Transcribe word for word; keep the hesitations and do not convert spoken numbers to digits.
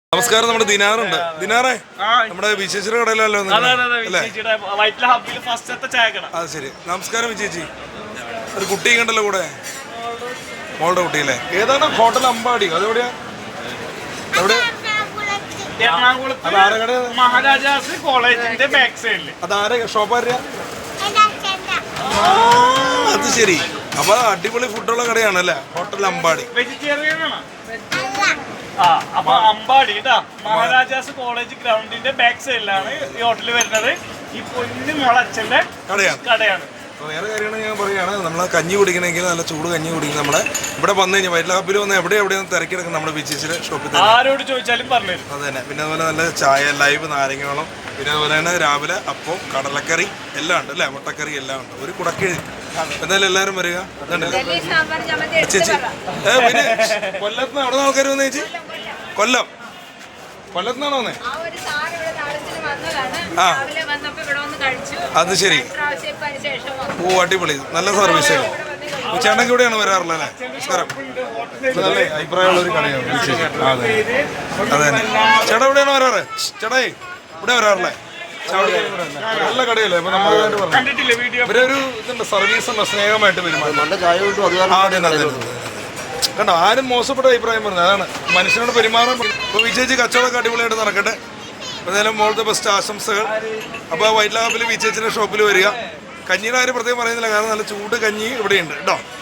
നമസ്കാരം. നമ്മുടെ ദിനാറുണ്ട്. ദിനാറേ, നമ്മുടെ വിശേഷിയുടെ കടയിലല്ലോ? അത് ശരി. നമസ്കാരം വിശേഷി. ഒരു കുട്ടി കണ്ടല്ലോ കൂടെ, മോളുടെ കുട്ടിയല്ലേ? ഏതാണ് ഹോട്ടൽ അമ്പാടി? അതെവിടെയാ? എവിടെ? മഹാരാജാസ് കോളേജിന്റെ ബാക്ക് സൈഡില്. അതാരെ ഷോപ്പാര? അത് ശരി. അപ്പൊ അടിപൊളി ഫുഡുള്ള കടയാണല്ലേ ഹോട്ടൽ അമ്പാടി. വെജിറ്റേറിയൻ ആണ്. അപ്പൊ അമ്പാടി മഹാരാജാസ് കോളേജ് ഗ്രൗണ്ടിന്റെ ബാക്ക് സൈഡിലാണ് ഈ ഹോട്ടൽ വരുന്നത്. ഈ പൊന്നു മുളച്ചന്റെ കടയാണ് കടയാണ് വേറെ കാര്യമാണ് ഞാൻ പറയുകയാണ്. നമ്മൾ കഞ്ഞി കുടിക്കണമെങ്കിൽ നല്ല ചൂട് കഞ്ഞി കുടിക്കണം. നമ്മുടെ ഇവിടെ വന്നു കഴിഞ്ഞാൽ വൈറ്റ് ഹാപ്പിൽ വന്ന് എവിടെ എവിടെയാണ് തിരക്കിടക്കും നമ്മുടെ ബീച്ചിലെ ഷോപ്പിൽ തന്നെ. ആരോട് ചോദിച്ചാലും പറഞ്ഞു തരും. അത് തന്നെ. പിന്നെ അതുപോലെ നല്ല ചായ, ലൈവ് നാരങ്ങവെള്ളം, പിന്നെ അതുപോലെ തന്നെ രാവിലെ അപ്പം, കടലക്കറി എല്ലാം ഉണ്ട് അല്ലേ? മുട്ടക്കറി എല്ലാം ഉണ്ട്. ഒരു കുടക്കിഴി. എന്തായാലും എല്ലാവരും വരിക. ചേച്ചി ഏ പിന്നെ കൊല്ലത്തുനിന്ന് അവിടെ നിന്ന് ആൾക്കാർ വന്നു. ചേച്ചി കൊല്ലം കൊല്ലത്തുനിന്നാണോ വന്നേ? ആ അത് ശരി. ഓ അടിപൊളി, നല്ല സർവീസ്. ചേട്ടനൊക്കെ ഇവിടെയാണ് വരാറുള്ളത് അല്ലേ? നമസ്കാരം. നല്ല അഭിപ്രായമുള്ള ഒരു കടയാണ്. അതെ അതെ തന്നെ. ചേട്ടാ ഇവിടെയാണ് വരാറ്? ചേട്ടാ ഇവിടെ വരാറില്ലേ? നല്ല കടയല്ലേ? അപ്പൊ നമ്മൾ ഇവരെ ഒരു ഇതുണ്ട്, സർവീസ് ഉണ്ട്, സ്നേഹമായിട്ട് പെരുമാറും. കണ്ടോ, ആരും മോശപ്പെട്ട അഭിപ്രായം പറഞ്ഞു. അതാണ് മനുഷ്യനോട് പെരുമാറാൻ. ഇപ്പൊ വിജയിച്ച് കച്ചവടമൊക്കെ അടിപൊളിയായിട്ട് നടക്കട്ടെ. എന്തായാലും മോളത്തെ ബെസ്റ്റ് ആശംസകൾ. അപ്പോൾ വൈറ്റ് ലാബിൽ വിജയിച്ചിന്റെ ഷോപ്പിൽ വരിക. കഞ്ഞിയുടെ കാര്യം പ്രത്യേകം പറയുന്നില്ല, കാരണം നല്ല ചൂട് കഞ്ഞി ഇവിടെയുണ്ട് കേട്ടോ.